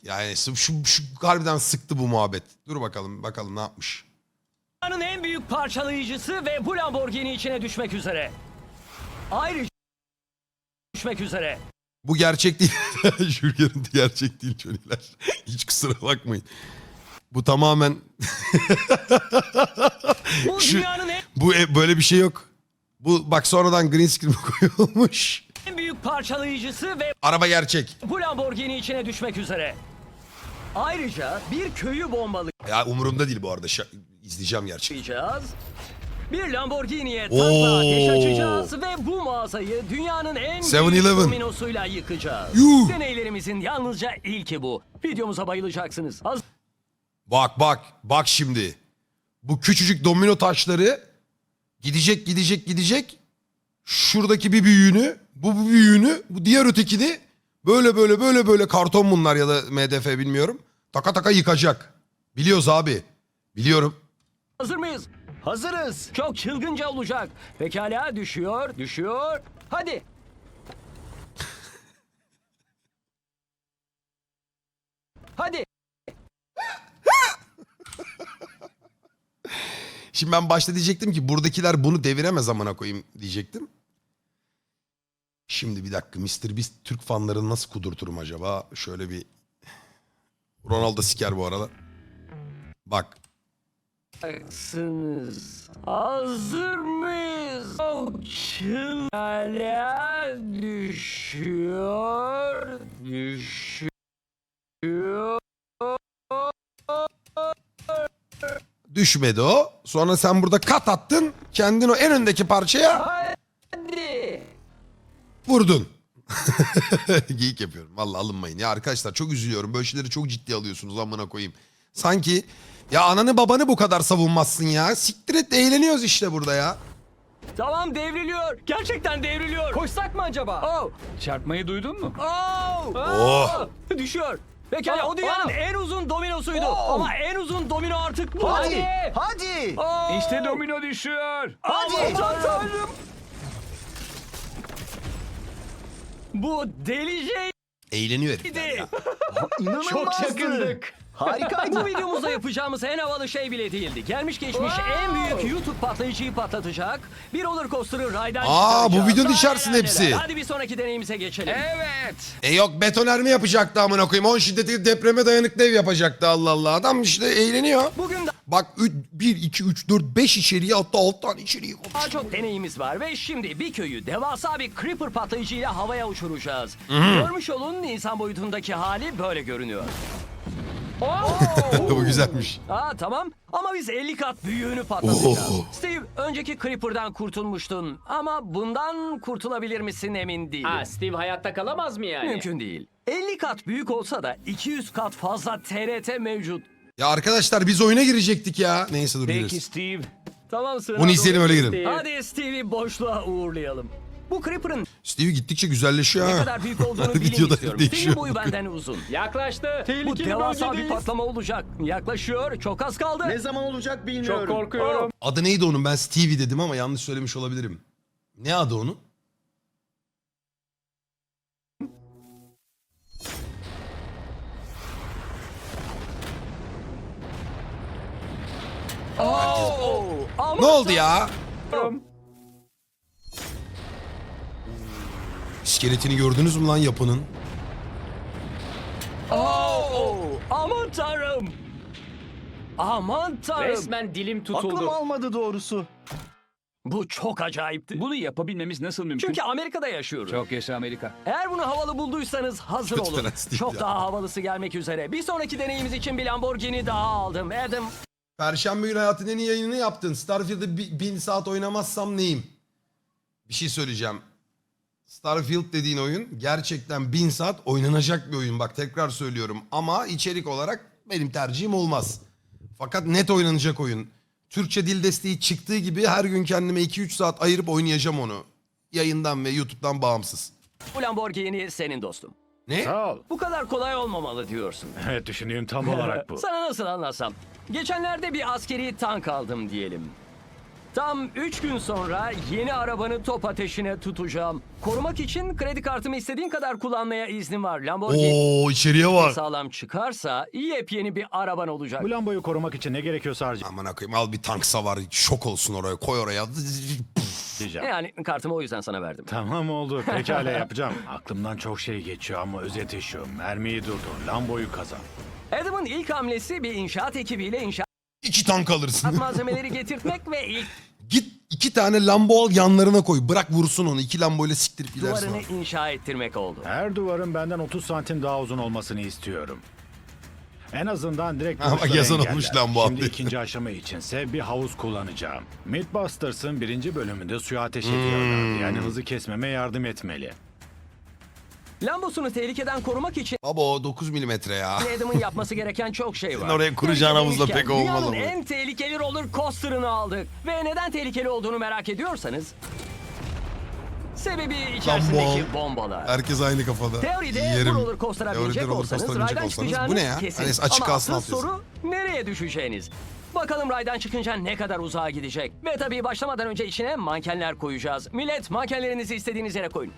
Yani şu harbiden sıktı bu muhabbet. Dur bakalım ne yapmış. Dünyanın en büyük parçalayıcısı ve bu Lamborghini içine düşmek üzere. Ayrıca düşmek üzere. Bu gerçek değil. Şu görüntü gerçek değil çocuklar. Hiç kusura bakmayın. Bu tamamen... Bu dünyanın Böyle bir şey yok. Bu bak sonradan green screen koyulmuş. en büyük parçalayıcısı ve Araba gerçek. bu Lamborghini içine düşmek üzere. Ayrıca bir köyü Ya umurumda değil bu arada. İzleyeceğim gerçekten. bombalayacağız. Bir Lamborghini'ye Oo. takla ateş açacağız ve bu mağazayı dünyanın en 7-Eleven. büyük dominosuyla yıkacağız. Yuh. Deneylerimizin yalnızca ilki bu. Videomuza bayılacaksınız. Bak şimdi. Bu küçücük domino taşları gidecek. Şuradaki bir büyüğünü, bu büyüğünü, bu diğer ötekini böyle karton bunlar ya da MDF bilmiyorum. Taka yıkacak. Biliyoruz abi. Biliyorum. Hazır mıyız? Hazırız. Çok çılgınca olacak. Pekala düşüyor. Hadi. Hadi. Şimdi ben başta diyecektim ki buradakiler bunu deviremez amına koyayım diyecektim. Şimdi bir dakika Mr. Beast Türk fanlarını nasıl kudurturum acaba? Şöyle bir... Ronaldo siker bu arada. Bak. Baksınız. Hazır mıyız? Çok çılgınca düşüyor. Düşmedi o. Sonra sen burada kat attın. Kendin o en öndeki parçaya Hadi. vurdun. Geyik yapıyorum. Vallahi alınmayın. Ya arkadaşlar çok üzülüyorum. Böyle şeyleri çok ciddi alıyorsunuz amına koyayım. Sanki ya ananı babanı bu kadar savunmazsın ya. Siktir et eğleniyoruz işte burada ya. Tamam devriliyor. Gerçekten devriliyor. Koşsak mı acaba? Çarpmayı duydun mu? Oh. Düşüyor. Pekala o dünyanın en uzun dominosuydu. Ama en uzun domino artık bu. Hadi. İşte domino düşüyor. Aman tanrım. Bu deliceydi. Eğleniyor herifler ya. İnanılmazdı. Çok yakındık. Harikaydı. Bu videomuzda yapacağımız en havalı şey bile değildi. Gelmiş geçmiş en büyük YouTube patlayıcıyı patlatacak. Bir roller coaster'ı raydan Aa, bu çıkaracağız. videonun Neler içerisinde neler. hepsi. Hadi bir sonraki deneyimize geçelim. Evet. Yok betoner mi yapacaktı amına koyayım? 10 şiddetli depreme dayanıklı ev yapacaktı Allah Allah. Adam işte eğleniyor. Bugün Bak 1, 2, 3, 4, 5 içeriği hatta 6 tane içeriği var. daha çok deneyimiz var ve şimdi bir köyü devasa bir creeper patlayıcıyla havaya uçuracağız. Görmüş olun insan boyutundaki hali böyle görünüyor. Bu güzelmiş. Tamam ama biz 50 kat büyüğünü patlatacağız. Oo. Steve önceki Creeper'dan kurtulmuştun ama bundan kurtulabilir misin emin değilim. Steve hayatta kalamaz mı yani? Mümkün değil. 50 kat büyük olsa da 200 kat fazla TRT mevcut. Ya arkadaşlar biz oyuna girecektik ya. Neyse dur Peki gireriz. Steve. Tamam sıra. Onu izleyelim öyle girin. Steve. Hadi Steve'i boşluğa uğurlayalım. Bu Creeper'ın Steve gittikçe güzelleşiyor ne ha. kadar büyük olduğunu Her bilin videoda istiyorum. değişiyor. Steve'in boyu benden uzun. Yaklaştı. Bu devasa bir patlama olacak. Yaklaşıyor. Çok az kaldı. Ne zaman olacak bilmiyorum. Çok korkuyorum. Adı neydi onun? Ben Stevie dedim ama yanlış söylemiş olabilirim. Ne adı onun? Ama Ne oldu ya? İskeletini gördünüz mü lan yapının? Aman tanrım. Aman tanrım. Resmen dilim tutuldu. Aklım almadı doğrusu. Bu çok acayipti. Bunu yapabilmemiz nasıl mümkün? Çünkü Amerika'da yaşıyoruz. Çok yaşa Amerika. Eğer bunu havalı bulduysanız hazır Kötü olun. prens değil Çok ya. daha havalısı gelmek üzere. Bir sonraki deneyimiz için bir Lamborghini daha aldım. Adam Perşembe günü hayatın en iyi yayınını yaptın. Starfield'ı 1000 saat oynamazsam neyim? Bir şey söyleyeceğim. Starfield dediğin oyun gerçekten 1000 saat oynanacak bir oyun. Bak tekrar söylüyorum. Ama içerik olarak benim tercihim olmaz. Fakat net oynanacak oyun. Türkçe dil desteği çıktığı gibi her gün kendime 2-3 saat ayırıp oynayacağım onu. Yayından ve YouTube'dan bağımsız. bu Lamborghini senin dostum. Ne? Sağ ol. Bu kadar kolay olmamalı diyorsun. Evet düşündüğüm tam olarak bu. Sana nasıl anlatsam? Geçenlerde bir askeri tank aldım diyelim. Tam 3 gün sonra yeni arabanı top ateşine tutacağım. Korumak için kredi kartımı istediğin kadar kullanmaya iznim var. Lamborghini Oo içeriye bak. sağlam çıkarsa yepyeni bir araban olacak. Bu Lambo'yu korumak için ne gerekiyorsa Aman koyayım al bir tank savar şok olsun oraya koy oraya. harcayacağım. Yani kartımı o yüzden sana verdim. Tamam oldu. Pekala yapacağım. Aklımdan çok şey geçiyor ama özeti şu. Mermiyi durdur. Lambo'yu kazan. Adam'ın ilk hamlesi bir inşaat ekibiyle inşaat 2 tank alırsın. malzemeleri getirtmek ve ilk Git 2 tane Lambo al yanlarına koy. Bırak vursun onu. 2 Lambo ile siktirip gidersin. duvarını abi. inşa ettirmek oldu. Her duvarın benden 30 santim daha uzun olmasını istiyorum. En azından direkt Ama vuruşları yazan engeller. olmuş lan bu Şimdi abi. ikinci aşama içinse bir havuz kullanacağım. Mythbusters'ın 1. bölümünde suya ateş ediyorlar. Yani hızı kesmeme yardım etmeli. Lambosunu tehlikeden korumak için Baba o 9 milimetre ya. Adam'ın yapması gereken çok şey var. Senin oraya kuracağın havuzla Demişken, pek olmalı dünyanın bu. en tehlikeli roller coaster'ını aldık. Ve neden tehlikeli olduğunu merak ediyorsanız... Sebebi içerisindeki Lambo. bombalar. Herkes aynı kafada. Teoride Yerim. bu roller coaster'a Teoride binecek roller olsanız coaster'a binecek raydan olsanız, çıkacağınız bu ne ya? kesin. Hani açık Ama kalsın asıl alt yazı. soru nereye düşeceğiniz? Bakalım raydan çıkınca ne kadar uzağa gidecek. Ve tabii başlamadan önce içine mankenler koyacağız. Millet mankenlerinizi istediğiniz yere koyun.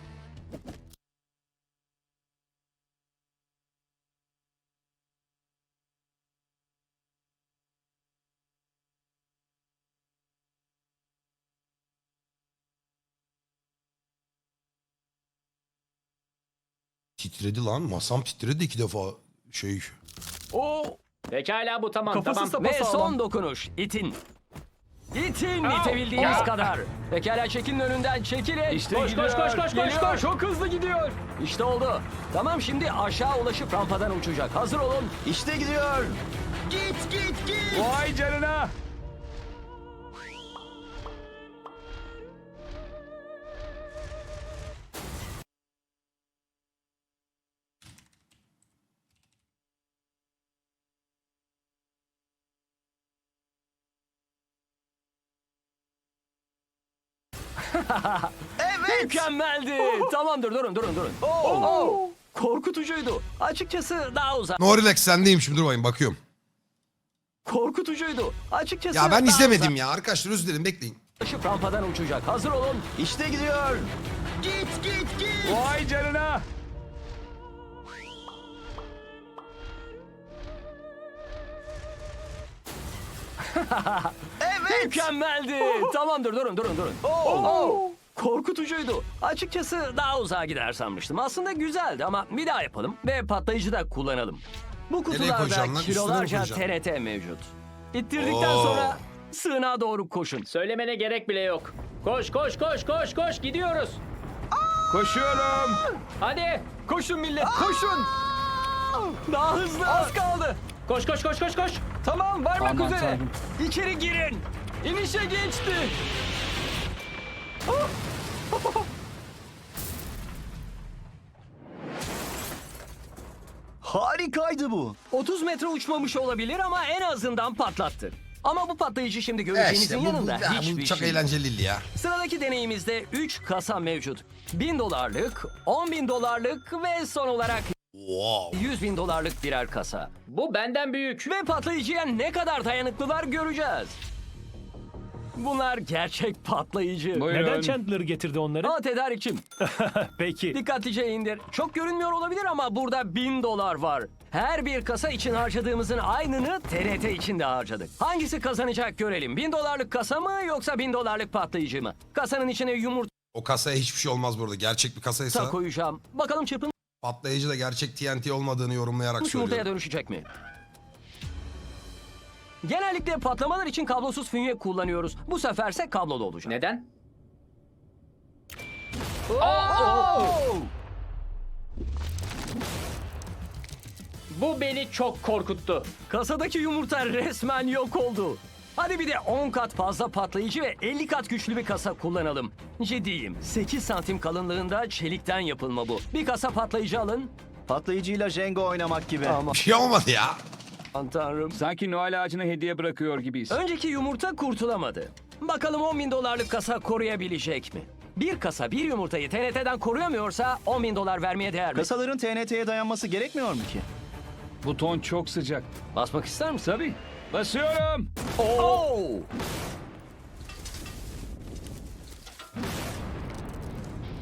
Titredi lan. Masam titredi 2 defa. Şey. O Pekala bu tamam tamam. Ve son dokunuş. İtin. İtin itebildiğiniz kadar. Pekala çekinin önünden çekilin. İşte koş, koş, koş, koş, koş, koş. Çok hızlı gidiyor. İşte oldu. Tamam şimdi aşağı ulaşıp rampadan uçacak. Hazır olun. İşte gidiyor. Git git git. Vay canına. Mükemmeldi. Tamamdır durun. Oo. Korkutucuydu. Açıkçası daha uzak. No relax sendeyim şimdi dur bakayım bakıyorum. Korkutucuydu. Açıkçası Ya ben daha izlemedim ya. Arkadaşlar özür dilerim bekleyin. uzaklaşıp rampadan uçacak. Hazır olun. İşte gidiyor. Git git git. Vay canına. Mükemmeldi. Tamamdır durun. Oo. Korkutucuydu. Açıkçası daha uzağa gider sanmıştım. Aslında güzeldi ama bir daha yapalım ve patlayıcı da kullanalım. Bu kutularda koyacaksın lan? Üstüne mi kilolarca koyacaksın? TRT mevcut. İttirdikten Oo. sonra sığınağa doğru koşun. Söylemene gerek bile yok. Koş koş koş koş koş gidiyoruz. Koşuyorum. Hadi. Koşun millet koşun. Daha hızlı. Az kaldı. Koş koş koş koş koş. Tamam varmak Aman üzere. tanrım. İçeri girin. İnişe geçti. Harikaydı bu. 30 metre uçmamış olabilir ama en azından patlattı. Ama bu patlayıcı şimdi Evet göreceğinizin işte yanında bu hiçbir çok şey. eğlenceliydi ya. Sıradaki deneyimizde 3 kasa mevcut. $1000'lık, $10.000 ve son olarak Wow. $100.000 birer kasa. Bu benden büyük. Ve patlayıcıya ne kadar dayanıklılar göreceğiz. Bunlar gerçek patlayıcı. Buyurun. Neden Chandler getirdi onları? Aa tedarikçim. Peki. Dikkatlice indir. Çok görünmüyor olabilir ama burada $1000 var. Her bir kasa için harcadığımızın aynını TRT için de harcadık. Hangisi kazanacak görelim. $1000'lık kasa mı yoksa $1000'lık patlayıcı mı? Kasanın içine yumurta O kasaya hiçbir şey olmaz burada. Gerçek bir kasaysa koyacağım. Bakalım çırpılmış patlayıcı da gerçek TNT olmadığını yorumlayarak yumurtaya söylüyorum. dönüşecek mi? Genellikle patlamalar için kablosuz fünye kullanıyoruz. Bu seferse kablolu olacak. Neden? Bu beni çok korkuttu. Kasadaki yumurta resmen yok oldu. Hadi bir de 10 kat fazla patlayıcı ve 50 kat güçlü bir kasa kullanalım. Ciddiyim. 8 santim kalınlığında çelikten yapılma bu. Bir kasa patlayıcı alın. Patlayıcıyla Jenga oynamak gibi. Bir şey olmadı ya. Aman tanrım. Sanki Noel ağacına hediye bırakıyor gibiyiz. Önceki yumurta kurtulamadı. Bakalım $10.000 kasa koruyabilecek mi? Bir kasa bir yumurtayı TNT'den koruyamıyorsa $10.000 vermeye değer mi? Kasaların TNT'ye dayanması gerekmiyor mu ki? Buton çok sıcak. Basmak ister misin? Tabii. Basıyorum. Oo!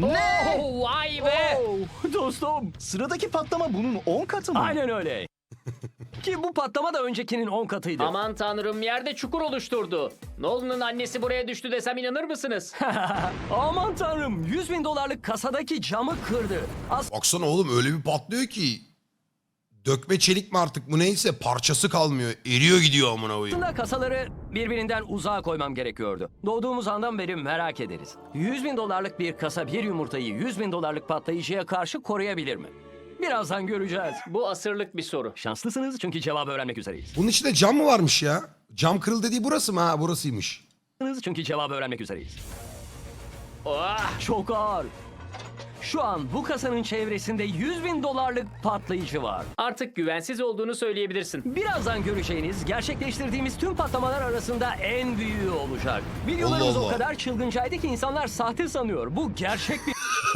Ne? Oh, vay be. Oh, dostum. Sıradaki patlama bunun 10 katı mı? Aynen öyle. Ki bu patlama da öncekinin 10 katıydı. Aman tanrım, yerde çukur oluşturdu. Nolan'ın annesi buraya düştü desem inanır mısınız? Aman tanrım, 100 bin dolarlık kasadaki camı kırdı. Baksana oğlum öyle bir patlıyor ki. Dökme çelik mi artık bu neyse parçası kalmıyor. Eriyor gidiyor amına koyayım. Aslında kasaları birbirinden uzağa koymam gerekiyordu. Doğduğumuz andan beri merak ederiz. 100 bin dolarlık bir kasa bir yumurtayı 100 bin dolarlık patlayıcıya karşı koruyabilir mi? Birazdan göreceğiz. Bu asırlık bir soru. Şanslısınız çünkü cevabı öğrenmek üzereyiz. Bunun içinde cam mı varmış ya? Cam kırıl dediği burası mı? Ha burasıymış. Çünkü cevabı öğrenmek üzereyiz. Oh, Çok ağır. Şu an bu kasanın çevresinde 100 bin dolarlık patlayıcı var. artık güvensiz olduğunu söyleyebilirsin. Birazdan göreceğiniz gerçekleştirdiğimiz tüm patlamalar arasında en büyüğü olacak. Videolarımız Allah o Allah. kadar çılgıncaydı ki insanlar sahte sanıyor. Bu gerçek bir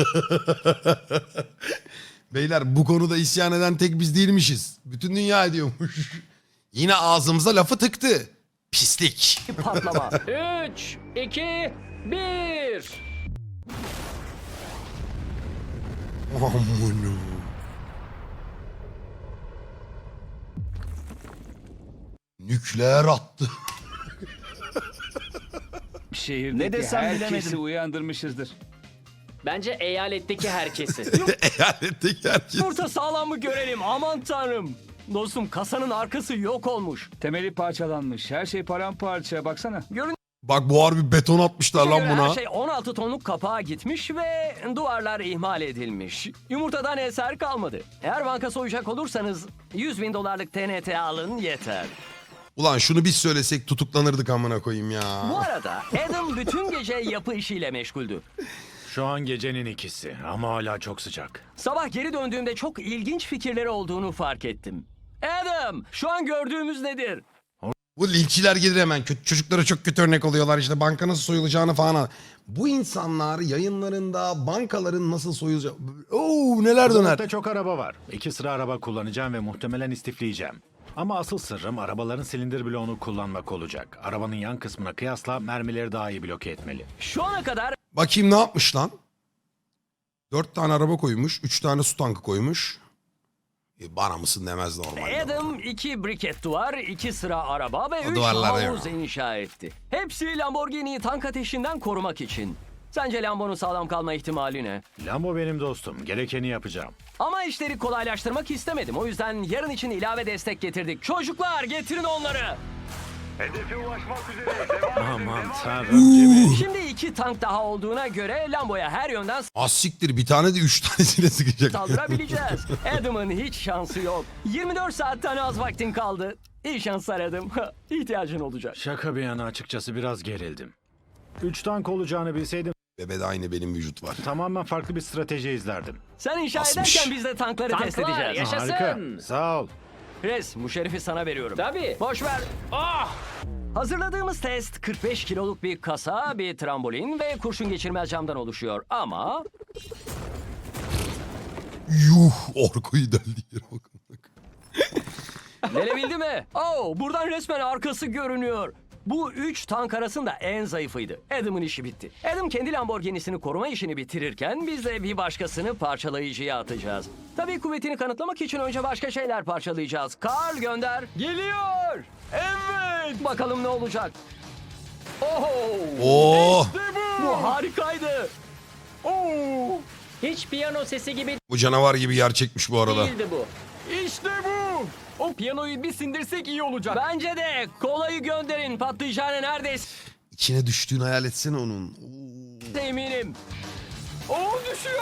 Beyler bu konuda isyan eden tek biz değilmişiz. Bütün dünya ediyormuş. Yine ağzımıza lafı tıktı. Pislik. patlama. 3, 2, 1. Amına. Nükleer attı. Şehirdeki Ne desem herkesi bilemedim. uyandırmışızdır. Bence eyaletteki herkesi. Eyaletteki herkes. Yumurta sağlam mı görelim, aman tanrım. Dostum kasanın arkası yok olmuş. Temeli parçalanmış. Her şey paramparça. Baksana. Bak bu harbi beton atmışlar lan Göre buna. her şey 16 tonluk kapağa gitmiş ve duvarlar ihmal edilmiş. Yumurtadan eser kalmadı. Eğer banka soyacak olursanız 100 bin dolarlık TNT alın yeter. Ulan şunu biz söylesek tutuklanırdık amına koyayım Bu ya. arada Adam bütün gece yapı işiyle meşguldü. Şu an gecenin 2'si ama hala çok sıcak. Sabah geri döndüğümde çok ilginç fikirleri olduğunu fark ettim. Adam, şu an gördüğümüz nedir? Bu linççiler gelir hemen. Çocuklara çok kötü örnek oluyorlar işte banka nasıl soyulacağını falan. Bu insanlar yayınlarında bankaların nasıl soyulacağı... Oo neler döner. Sokakta çok araba var. 2 sıra araba kullanacağım ve muhtemelen istifleyeceğim. Ama asıl sırrım arabaların silindir bloğunu kullanmak olacak. Arabanın yan kısmına kıyasla mermileri daha iyi bloke etmeli. Şu ana kadar Bakayım ne yapmış lan? 4 tane araba koymuş. 3 tane su tankı koymuş. Bana mısın demez normalde. Adam 2 briket duvar, 2 sıra araba ve O 3 duvarlar havuz ya. inşa etti. Hepsi Lamborghini'yi tank ateşinden korumak için. Sence Lambo'nun sağlam kalma ihtimali ne? Lambo benim dostum. Gerekeni yapacağım. Ama işleri kolaylaştırmak istemedim. O yüzden yarın için ilave destek getirdik. Çocuklar getirin onları. Aman tanrım Jimmy. Şimdi 2 tank daha olduğuna göre Lambo'ya her yönden Az siktir bir tane de 3 tanesine sıkacak. saldırabileceğiz. Adam'ın hiç şansı yok. 24 saatten az vaktin kaldı. İyi şanslar Adam. İhtiyacın olacak. Şaka bir yana açıkçası biraz gerildim. 3 tank olacağını bilseydim Bebede aynı benim vücut var. tamamen farklı bir strateji izlerdim. Sen inşa Asmış. ederken biz de tankları test Tanklar, edeceğiz. yaşasın. Harika. Sağ ol. Chris, bu şerifi sana veriyorum. Tabii. Boş ver. Hazırladığımız test 45 kiloluk bir kasa, bir trambolin ve kurşun geçirmez camdan oluşuyor. Ama Yuh orkoyu deldi yere bakın. gelebildi mi? Oh, buradan resmen arkası görünüyor. Bu 3 tank arasında en zayıfıydı. Adam'ın işi bitti. Adam kendi Lamborghini'sini koruma işini bitirirken biz de bir başkasını parçalayıcıya atacağız. Tabii kuvvetini kanıtlamak için önce başka şeyler parçalayacağız. Karl gönder. Geliyor. Evet. Bakalım ne olacak. Oh. Oo, Bu harikaydı. Oo. Hiç piyano sesi gibi bu canavar gibi yer çekmiş bu arada. değildi bu. İşte bu. O piyanoyu bir sindirsek iyi olacak. Bence de. Kolayı gönderin. Patlayacağına neredeyse İçine düştüğünü hayal etsene onun. Oo. eminim. Düşüyor.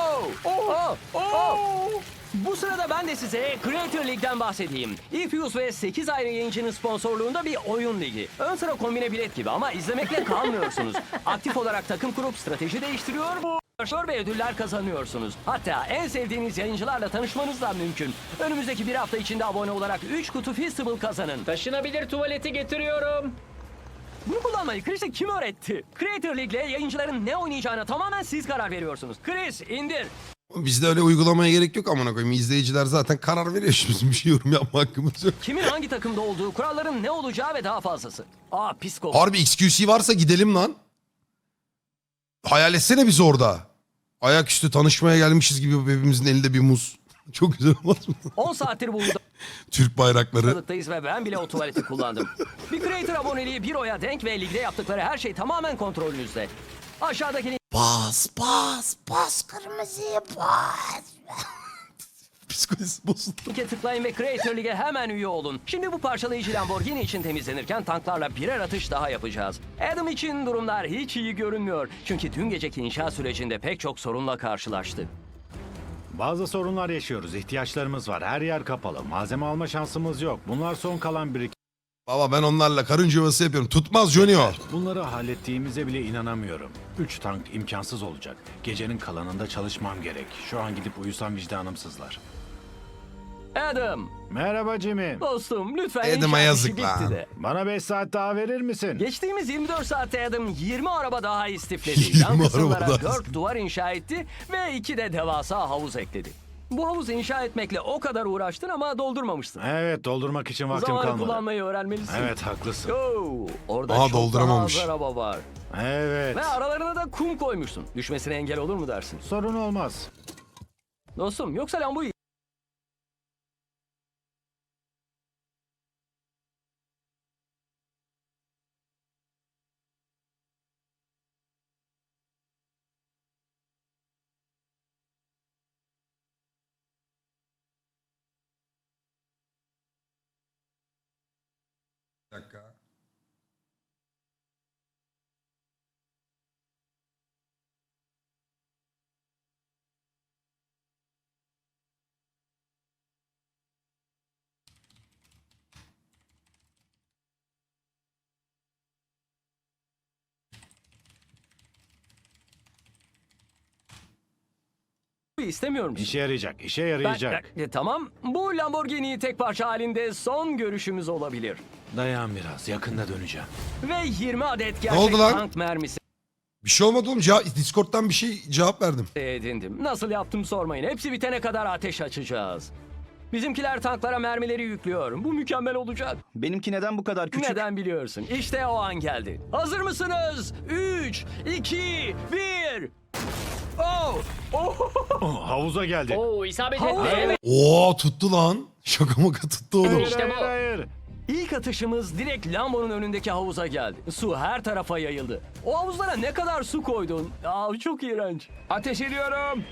Bu sırada ben de size Creator League'den bahsedeyim. Epius ve 8 ayrı yayıncının sponsorluğunda bir oyun ligi. Ön sıra kombine bilet gibi ama izlemekle kalmıyorsunuz. Aktif olarak takım kurup strateji değiştiriyor ve ödüller kazanıyorsunuz. Hatta en sevdiğiniz yayıncılarla tanışmanız da mümkün. Önümüzdeki bir hafta içinde abone olarak 3 kutu Feastable kazanın. Taşınabilir tuvaleti getiriyorum. Bunu kullanmayı Chris'e kim öğretti? Creator League'le yayıncıların ne oynayacağına tamamen siz karar veriyorsunuz. Chris indir. Bizde öyle uygulamaya gerek yok amına koyayım. İzleyiciler zaten karar veriyor. Şimdi bizim bir şey yorum yapma hakkımız yok. Kimin hangi takımda olduğu, kuralların ne olacağı ve daha fazlası. Pis kol. Harbi XQC varsa gidelim lan. Hayal etsene biz orada. Ayaküstü tanışmaya gelmişiz gibi hepimizin elinde bir muz. Çok güzel olmaz mı? 10 saattir bu Türk bayrakları. Balıktayız ve ben bile o tuvaleti kullandım. Bir Creator aboneliği bir oya denk ve ligde yaptıkları her şey tamamen kontrolünüzde. Aşağıdaki Bas bas bas kırmızıya bas. Psikolojisi bozuldu. linke tıklayın ve Creator Lig'e hemen üye olun. Şimdi bu parçalayıcı Lamborghini için temizlenirken tanklarla birer atış daha yapacağız. Adam için durumlar hiç iyi görünmüyor. Çünkü dün geceki inşa sürecinde pek çok sorunla karşılaştı. Bazı sorunlar yaşıyoruz. İhtiyaçlarımız var. Her yer kapalı. Malzeme alma şansımız yok. Bunlar son kalan birikim. Baba ben onlarla karınca yuvası yapıyorum. Tutmaz Johnny o. Bunları hallettiğimize bile inanamıyorum. 3 tank imkansız olacak. Gecenin kalanında çalışmam gerek. Şu an gidip uyusam vicdanım sızlar. Adam, Merhaba Jimmy. dostum lütfen Adam'a inşaat işi yazık bitti lan. de. Bana 5 saat daha verir misin? Geçtiğimiz 24 saatte Adam 20 araba daha 20 istifledi. Yan araba kısımlara daha 4 duvar inşa etti ve 2 de devasa havuz ekledi. Bu havuzu inşa etmekle o kadar uğraştın ama doldurmamıştın. Evet, doldurmak için vaktim Zamanı kalmadı. kullanmayı öğrenmelisin. Evet, haklısın. Oo, orada Aha, çok daha dolduramamış. az araba var. Evet. Ve aralarına da kum koymuşsun. Düşmesine engel olur mu dersin? Sorun olmaz. Dostum yoksa Lambo'yu Bir dakika. istemiyor musun? İşe yarayacak, işe yarayacak. Tamam. Bu Lamborghini tek parça halinde son görüşümüz olabilir. Dayan biraz, yakında döneceğim. Ve 20 adet oldu gerçek lan? tank mermisi Bir şey olmadı oğlum. Discord'dan bir şey cevap verdim. edindim. Nasıl yaptım sormayın. Hepsi bitene kadar ateş açacağız. Bizimkiler tanklara mermileri yüklüyor. Bu mükemmel olacak. Benimki neden bu kadar küçük? Neden biliyorsun? İşte o an geldi. Hazır mısınız? 3, 2, 1. Oh! Oh! Oh, havuza geldi. Oo isabet Havuz. etti. Evet. Oo tuttu lan. Şaka maka tuttu oğlum. Hayır, İşte hayır, bu. hayır. İlk atışımız direkt Lambo'nun önündeki havuza geldi. Su her tarafa yayıldı. O havuzlara ne kadar su koydun? Aa, çok iğrenç. Ateş ediyorum.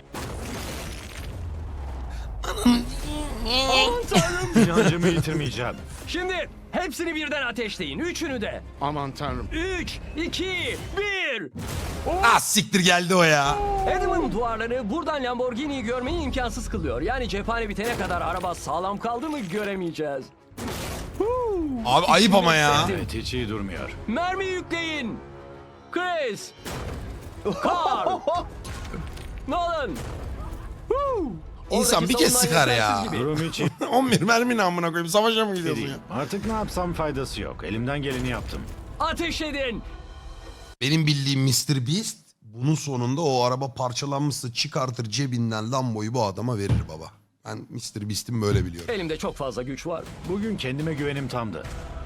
Aman tanrım. İnancımı yitirmeyeceğim. Şimdi hepsini birden ateşleyin. Üçünü de. Aman tanrım. 3, 2, 1. Ah siktir geldi o ya. Adam'ın duvarları buradan Lamborghini'yi görmeyi imkansız kılıyor. Yani cephane bitene kadar araba sağlam kaldı mı göremeyeceğiz. Abi ayıp ama ya. Evet, hiç iyi durmuyor. Mermi yükleyin. Chris. Carl. Nolan. Woo! İnsan Oradaki bir kez savunan sıkar yetersiz ya. gibi. Durum hiç iyi 11 mermi ne amına koyayım. Savaşa mı gidiyorsun ya? değil. Artık ne yapsam faydası yok. Elimden geleni yaptım. Ateş edin. Benim bildiğim Mr. Beast bunun sonunda o araba parçalanmışsa çıkartır cebinden Lambo'yu bu adama verir baba. Ben Mr. Beast'im böyle biliyorum. Elimde çok fazla güç var. Bugün kendime güvenim tamdı.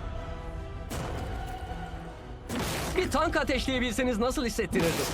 Bir tank ateşleyebilseniz nasıl hissettirirdi?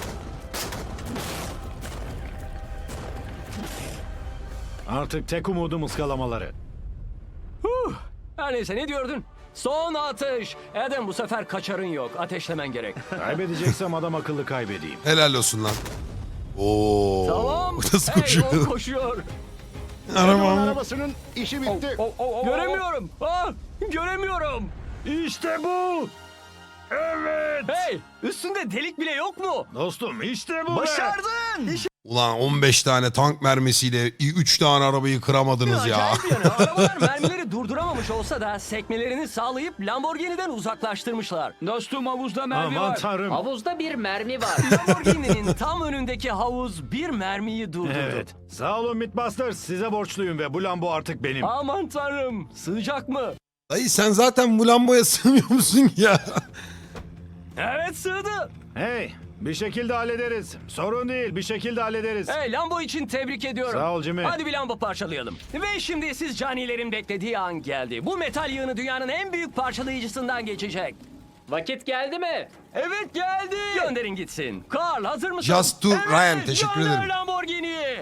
Artık tek umudum ıskalamaları. Her neyse ne diyordun? Son atış. Adam bu sefer kaçarın yok. Ateşlemen gerek. Kaybedeceksem adam akıllı kaybedeyim. Helal olsun lan. Oo. Tamam. Nasıl Hey, koşuyor? o koşuyor. Arabam. Arabasının işi bitti. Göremiyorum. Göremiyorum. İşte bu! Evet! Hey, üstünde delik bile yok mu? Dostum işte bu be! Başardın! Ulan 15 tane tank mermisiyle 3 tane arabayı kıramadınız ya. Acayip yanı. Arabalar mermileri durduramamış olsa da sekmelerini sağlayıp Lamborghini'den uzaklaştırmışlar. Dostum havuzda mermi Aman var. tanrım. Havuzda bir mermi var. Lamborghini'nin tam önündeki havuz bir mermiyi durdurdu. Evet. Sağ olun Mythbusters. Size borçluyum ve bu Lambo artık benim. Aman tanrım. Sığacak mı? Dayı sen zaten bu Lambo'ya sığmıyor musun ya? Evet sığdı. Hey, bir şekilde hallederiz. Sorun değil, bir şekilde hallederiz. Hey Lambo için tebrik ediyorum. Sağ ol Jimmy. Hadi bir Lambo parçalayalım. Ve şimdi siz canilerin beklediği an geldi. Bu metal yığını dünyanın en büyük parçalayıcısından geçecek. Vakit geldi mi? Evet geldi. Gönderin gitsin. Carl hazır mısın? Just to Ryan, teşekkür gönder ederim. Lamborghini'yi.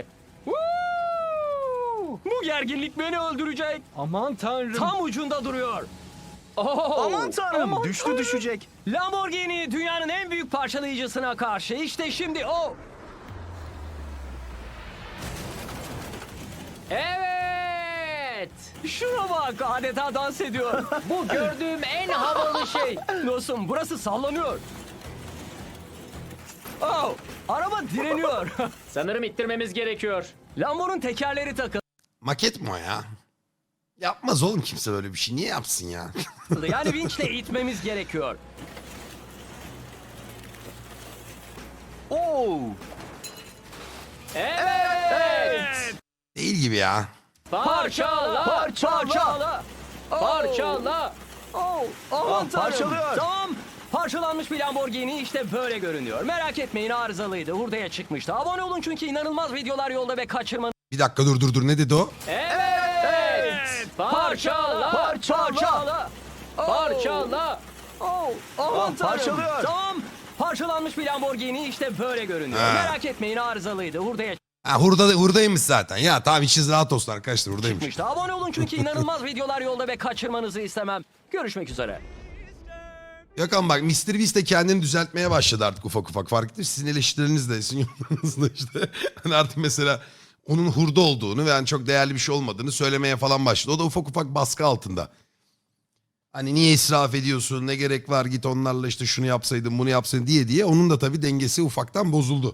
Woo! Bu gerginlik beni öldürecek. Aman tanrım. Tam ucunda duruyor. Aman tanrım. Aman düştü tanrım. düşecek. Lamborghini dünyanın en büyük parçalayıcısına karşı. İşte şimdi o. Evet. Şuna bak adeta dans ediyor. Bu gördüğüm en havalı şey. Dostum burası sallanıyor. Oh, araba direniyor. Sanırım ittirmemiz gerekiyor. Lambo'nun tekerleri takıldı. Maket mi o ya? Yapmaz oğlum kimse böyle bir şey. Niye yapsın ya? Yani vinçle itmemiz gerekiyor. Oo. Evet. Değil gibi ya. Parçala. Parçala. Parçala. Oh, aman tanrım. parçalıyor. Tamam. Parçalanmış bir Lamborghini işte böyle görünüyor. Merak etmeyin arızalıydı. Hurdaya çıkmıştı. Abone olun çünkü inanılmaz videolar yolda ve kaçırmanız. Bir dakika dur ne dedi o? Evet. Parçala. Parçala. Parçala. Oh, aman tanrım. parçalıyor. Tamam. Parçalanmış bir Lamborghini işte böyle görünüyor. Ha. Merak etmeyin arızalıydı. Hurdaya Ha hurdaymış zaten. Ya tamam içiniz rahat olsun arkadaşlar hurdaymış. çıkmıştı. Abone olun çünkü inanılmaz videolar yolda ve kaçırmanızı istemem. Görüşmek üzere. Yok ama bak Mr. Beast de kendini düzeltmeye başladı artık ufak ufak. Fark ettiniz sizin eleştirileriniz de sizin yorumlarınız da işte. Hani artık mesela onun hurda olduğunu ve yani çok değerli bir şey olmadığını söylemeye falan başladı. O da ufak ufak baskı altında. Hani niye israf ediyorsun ne gerek var git onlarla işte şunu yapsaydın bunu yapsaydın diye onun da tabii dengesi ufaktan bozuldu.